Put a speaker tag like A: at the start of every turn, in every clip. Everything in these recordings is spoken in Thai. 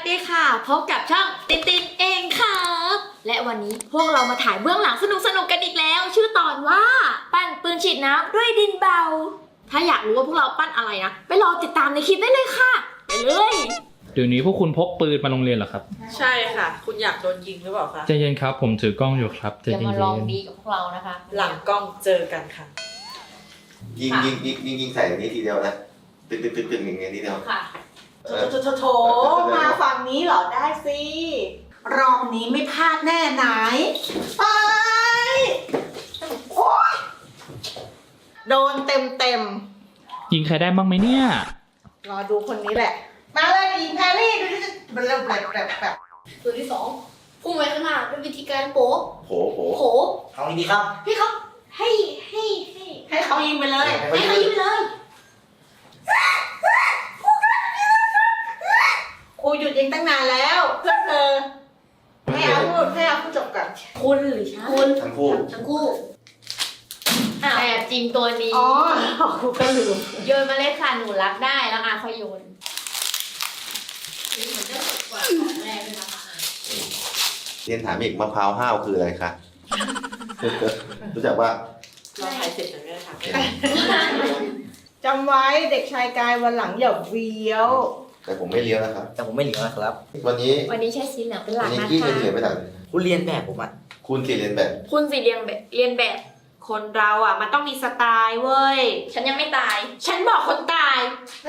A: ดีค่ะพบกับช่องตินตินเองครับและวันนี้พวกเรามาถ่ายเบื้องหลังสนุกกันอีกแล้วชื่อตอนว่าปั้นปืนฉีดน้ำด้วยดินเบาถ้าอยากรู้ว่าพวกเราปั้นอะไรนะไปรอติดตามในคลิปได้เลยค่ะไปเลย
B: เดี๋ยวนี้พวกคุณพกปืนมาโรงเรียนเหรอครับ
C: ใช่ค่ะคุณอยากโดนยิงหรือเปล่าคะ
B: ใจเย็นครับผมถือกล้องอยู่ครับใจ
A: อย่า
B: เย็น
A: มาลองดีกับพวกเรานะคะ
C: หลังกล้องเจอกันค่ะ
D: ยิงใส่อย่างนี้ทีเดียวนะตึกอย่างนี้ทีเดียว
A: ค่ะ
C: โถมาฝั่งนี้เหรอได้สิรอบนี้ไม่พลาดแน่ไหนไปโอ๊ยโดนเต็ม
B: ยิงใครได้บ้างไหมเนี่ย
C: รอดูคนนี้แหละมาเลยยิงแพรรี่ดูดิมันเริ่มแบบ
A: ตัวที่2พุ่งไปข้างหน้าเป็นวิธีการโป๊ะ
D: โผ
E: เอาดีครับ
A: พี่เขาให้
C: เขายิงไปเลย
A: ให้เขายิงไปเลย
C: ครูหยุดยิงตั้งนานแล้วเพื่อนเธอให้เอาพูดจบก่อน
A: คุณหรือฉันคุณ
D: ทั้งคู่
A: ทั้งคู่แอบจิ้มตัวนี้
C: อ๋อครูก็ลืม
A: โยนมาเลยค่ะหนูรับได้แล้วค่อยโยนเหมือนจะสดกว่าของแรกเลยนะคะ
D: เรียนถามอีกมะพร้าวห้าวคืออะไรคะรู้จักว่า
C: เราถ่ายเสร็จแล้วเนี่ยค่ะจำไว้เด็กชายกายวันหลังอย่าเวี้ยว
D: แต่ผมไม่เลี้ยวนะครับ
E: แต่ผมไม่เหลียวนะครับ
D: วันนี้
A: ใช้สีเหลืองเป็นหลั
D: วั
A: ก
D: นนี้
A: นะ
D: กี้
A: คะ
D: เรียนไม่ต่าง
E: คุณเรียนแบบผมอ่ะ
D: คุณสี่เรียนแบบ
A: คุณสิเรียนแบบ คนเราอ่ะมันต้องมีสไตล์เว้ยฉันยังไม่ตาย ฉันบอกคนตาย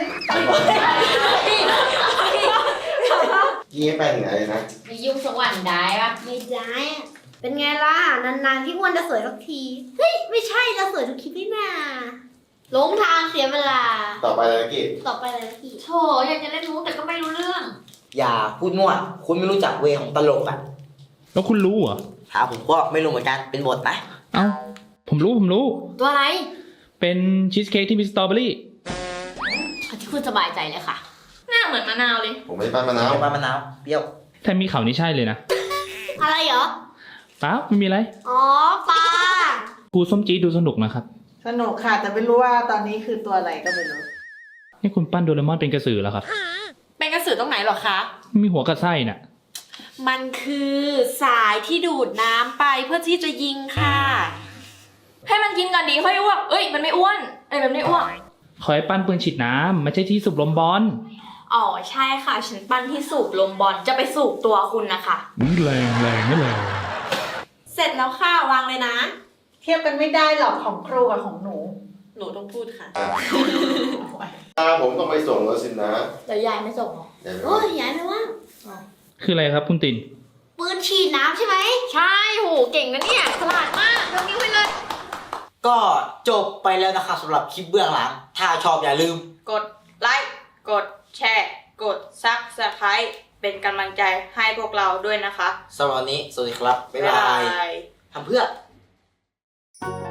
D: กี้ไม่ไปถึงไหนเลยนะ
A: มียุ่งสวรรค์ได้ปะ
F: ไม่ได้อะเป็นไงล่ะ นานๆพี่อ้วนจะสวยสักที เฮ้ย ไม่ใช่จะสวยทุกคลิปนี่นาหลงทางเสียเวลา
D: ต่อไปเลยกี้
F: ต่อไปเลยนะพี่
A: โถอยากจะเล่นมุกแต่ก็ไม่รู้เรื่อง
E: อย่าพูดมั่วคุณไม่รู้จักเวของตลกอ่ะ
B: แล้วคุณรู้เหรอ
E: ถามผมก็ไม่รู้เหมือนกันเป็นบทนะ
B: เอ้าผมรู้
A: ตัวอะไร
B: เป็นชีสเค้กที่มีสตรอเบอรี่
A: เอาที่คุณสบายใจเลยค่ะ หน้าเหมือนมะนาวเลย
D: ผมไม่ได้ปั้นมะนาว
E: มะนาวเปรี้ยว
B: ถ้ามีข่าวนี้ใช่เลยนะ
F: อะไรเหรอ
B: เปล่าไม่มีอะไร
F: อ๋อปลา
B: ครูส้มจี๊ดดูสนุกนะครับ
C: สนุกค่ะแต่ไม่รู้ว่าตอนนี้คือตัวอะไรก็ไม่รู้
B: นี่คุณปั้นโดเรมอนเป็นกระสือแล้วครับ
C: เป็นกระสือตรงไหนหรอคะ
B: มีหัวกับไส้น่ะ
C: มันคือสายที่ดูดน้ำไปเพื่อที่จะยิงค่ะ
A: ให้มันกินก่อนดีค่อยอ้วกเอ้ยมันไม่อ้วนมันไม่อ้วก
B: ขอให้ปั้นปืนฉีดน้ำไม่ใช่ที่สูบลมบอล
A: อ๋อใช่ค่ะฉันปั้นที่สูบลมบอลจะไปสูบตัวคุณนะคะ
B: แรงไม่แรง
C: เสร็จแล้วค่ะวางเลยนะ เทียบกันไม่ได้หรอกของครูกับของหนูต้องพูดค่ะ
D: ผมต้องไปส่งแล้วสินะ
A: เดี๋ยวยายไม่ส่งหรอ
D: เดี๋ยว
F: โอ้ยยายไม่ว่าง
B: คืออะไรครับคุณติน
F: ปืนฉีดน้ำใช่ไหม
A: ใช่โหเก่งนะเนี่ยฉลาดมากยกนิ้วให้เลย
E: ก็จบไปแล้วนะครับสำหรับคลิปเบื้องหลัง ถ้าชอบอย่าลืม
C: กดไลค์กดแชร์กดซับสไครต์เป็นกำลังใจให้พวกเราด้วยนะคะ
E: สำหรับวันนี้สวัสดีครับบ๊ายบายทำเพื่อ